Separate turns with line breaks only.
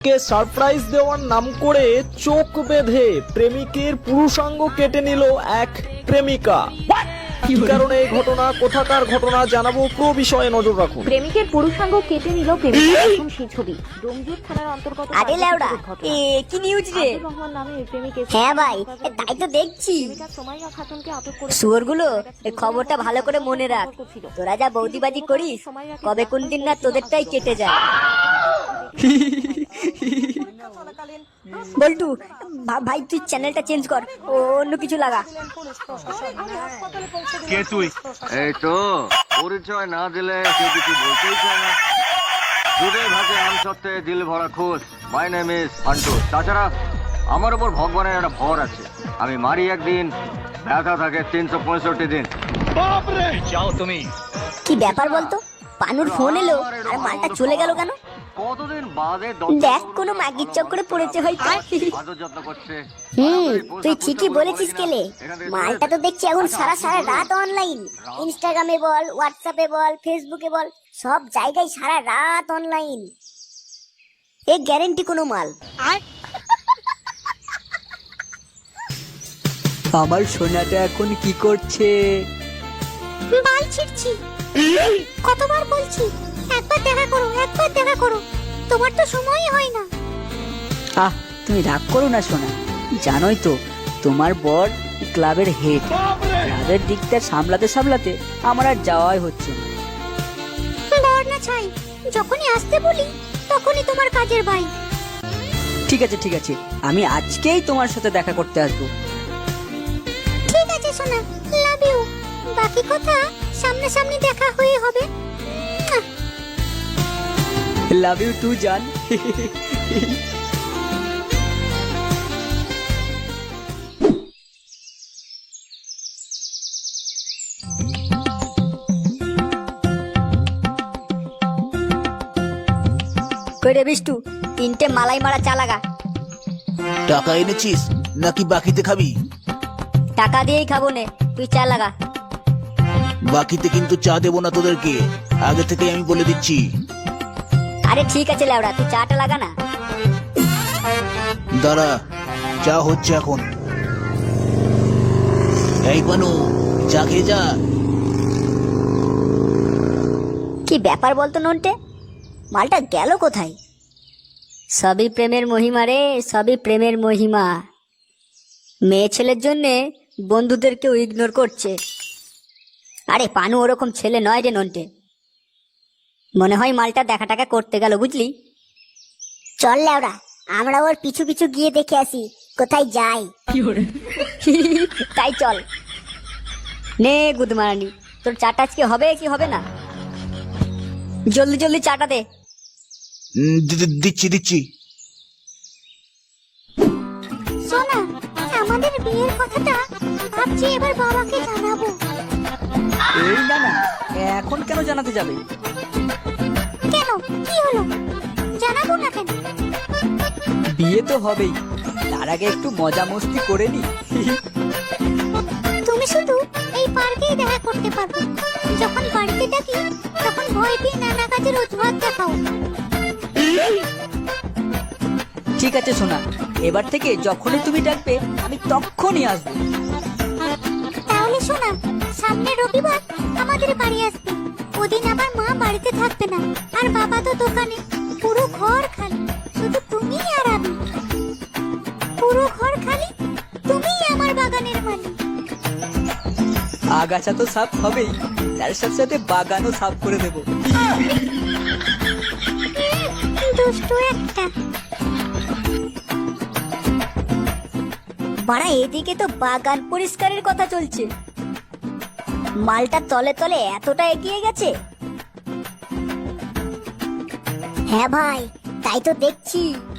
কে surprise দেওয়ার নাম করে চোখ বেঁধে প্রেমিকের পুরুষাঙ্গ কেটে নিল এক প্রেমিকা। কি কারণে এই ঘটনা, কোথাকার ঘটনা জানাবো, পুরো বিষয়ে নজর রাখুন।
প্রেমিকের পুরুষাঙ্গ কেটে নিল প্রেমিকা। এখন সেই ছবি ডোমজুর থানার অন্তর্গত।
আরে লেওড়া, কি নিউজ রে?
রহমান নামে প্রেমিকের।
হ্যাঁ ভাই, তাই তো দেখছি।
সোমাইয়া খাতুনকে আটক করে।
শুয়োরগুলো, এই খবরটা ভালো করে মনে রাখ। তোরা যা বৌদিবাজি করিস, কবে কোন দিন না তোদেরটাই কেটে যায়। বল্টু ভাই, তুই চ্যানেলটা চেঞ্জ কর, অন্য কিছু লাগা।
কে তুই?
এই তো পরিচয় না দিলে কেউ কিছু বলতেই চায় না। দুধে ভাতে আম সত্ত্বে দিল ভরা খোঁজ। My name is Fantu. তাছাড়া আমার উপর ভগবানের একটা ভর আছে। আমি মারি একদিন, ব্যথা থাকে 365 দিন।
যাও তুমি।
কি ব্যাপার বলতো? পানুর ফোন এলো আর মালটা চলে গেল কেন?
কতদিন বাদে
দেখ, কোনো মাগির চক্করে পড়েছে হয়তো।
আদর যত্ন করছে।
তুই ঠিকই বলেছিস কেলে। মালটা তো দেখছি এখন সারা সারা রাত অনলাইন। ইনস্টাগ্রামে বল, হোয়াটসঅ্যাপে বল, ফেসবুকে বল, সব জায়গায় সারা রাত অনলাইন। এ গ্যারেন্টি কোনো মাল।
আমার সোনাটা এখন কি করছে?
বাল ছিড়ছি। কতবার বলছি একবার দেখা করো, একবার দেখা করো, তোমার তো সময়ই হয় না।
আহ, তুমি রাগ করো না সোনা। জানোই তো তোমার বর ক্লাবের হেড। ক্লাবের দিকটা সামলাতে সামলাতে আমার আর যাওয়াই হচ্ছে না।
বর না চাই, যখনই আসতে বলি তখনই তোমার কাজের ভাই।
ঠিক আছে ঠিক আছে, আমি আজকেই তোমার সাথে দেখা করতে আসবো।
ঠিক আছে সোনা, লাভ ইউ। বাকি কথা সামনাসামনি দেখা হয়ে হবে।
লাভ ইউ টু জান।
কইরে বিষ্টু, 3টে মালাই মারা চা লাগা।
টাকা এনেছিস নাকি বাকিতে খাবি?
টাকা দিয়েই খাবো নে, তুই চা লাগা।
বাকিতে কিন্তু চা দেবো না তোদেরকে, আগে থেকে আমি বলে দিচ্ছি।
আরে ঠিক আছে লেওড়া, তুই চাটা লাগা না।
দাঁড়া, চা হচ্ছে এখন। এই বানু, চা খেয়ে যা।
কি ব্যাপার বলতো নন্টে, মালটা গেল কোথায়? সবই প্রেমের মহিমা রে, সবই প্রেমের মহিমা। মেয়ে ছেলের জন্যে বন্ধুদেরকেও ইগনোর করছে। আরে পানু ওরকম ছেলে নয় রে নন্টে। মনে হয় মালটা দেখা টাকা করতে গেল, বুঝলি? চল লেওরা, আমরা ওর পিছু পিছু গিয়ে দেখে আসি কোথায় যাই। তাই চল। নে গুদমারানি, তোর চাটা আজকে হবে কি হবে না? জলদি জলদি চাটা দে।
দিচ্ছি দিচ্ছি।
সোনা, আমাদের বিয়ের কথাটা ভাবছি এবার বাবাকে জানাবো।
এই না না, এখন কেন জানাতে যাবে?
কেন, কি হলো? জানাবো না কেন?
বিয়ে তো হবেই, তার আগে একটু মজা মস্তি করে নি।
তুমি শুধু এই পার্কেই দেখা করতে পারবে। যখন বাড়িতে ডাকি তখন ভয় পেয়ে নানা কাজের অজুহাত দেখাও।
ঠিক আছে সোনা, এবার থেকে যখনই তুমি ডাকবে আমি তখনই আসবো।
তাহলে শোনা, সামনের রবিবার আমাদের বাড়ি আসবে। ওদিন আবার মা বাড়িতে থাকবে না, আর বাবা তো দোকানে। পুরো ঘর খালি, শুধু তুমি আর আমি। পুরো ঘর খালি, তুমিই আমার বাগানের মালিক।
আগাছা তো সাফ হবেই, তার সাথে সাথে বাগানও সাফ করে দেবো।
দুষ্টু একটা। বাড়া, এদিকে তো বাগান পরিষ্কারের কথা চলছে। মালটা তলে তলে এতটা এগিয়ে গেছে। হ্যাঁ ভাই, তাই তো দেখছি।